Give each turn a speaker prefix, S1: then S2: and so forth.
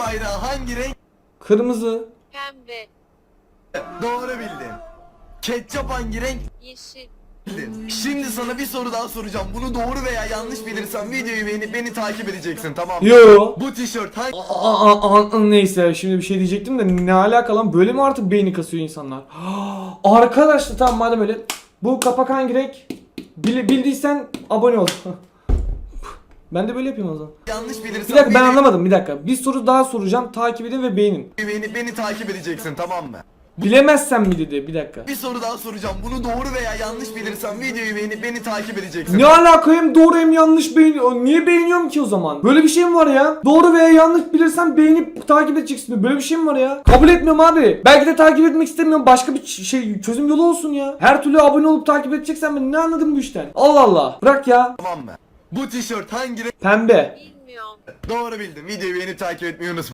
S1: bayrağı hangi renk?
S2: Kırmızı.
S3: Pembe,
S1: Doğru bildin. Ketçap hangi renk?
S3: yeşil,
S1: Bildin. Şimdi sana bir soru daha soracağım. Bunu doğru veya yanlış bilirsen videoyu beğenip beni takip edeceksin, tamam mı?
S2: Yo.
S1: Bu tişört hangi...
S2: Neyse şimdi bir şey diyecektim de ne alaka lan, böyle mi artık beyni kasıyor insanlar? Arkadaşlar tamam madem öyle, bu kapak hangi renk? Bildiysen abone ol. Ben de böyle yapayım o zaman.
S1: Yanlış bilirsen
S2: Bir dakika, ben
S1: videoyu
S2: anlamadım, bir dakika. Bir soru daha soracağım, takip edin ve beğenin.
S1: beğenip beni takip edeceksin, tamam mı?
S2: Bilemezsem mi dedi, bir dakika.
S1: Bir soru daha soracağım. Bunu doğru veya yanlış bilirsen videoyu beğenip beni takip edeceksin.
S2: Ne alaka, hem doğru hem yanlış beğeniyor. Niye beğeniyorum ki o zaman? Böyle bir şey mi var ya? Doğru veya yanlış bilirsen beğenip takip edeceksin. Böyle bir şey mi var ya? Kabul etmiyorum abi. Belki de takip etmek istemiyorum. Başka bir şey, çözüm yolu olsun ya. Her türlü abone olup takip edeceksen ben ne anladım bu işten? Allah Allah. Bırak ya.
S1: Tamam mı? Bu tişört hangi renk?
S2: Pembe.
S3: bilmiyorum.
S1: Doğru bildin. Videoyu beğenip takip etmeyi unutma.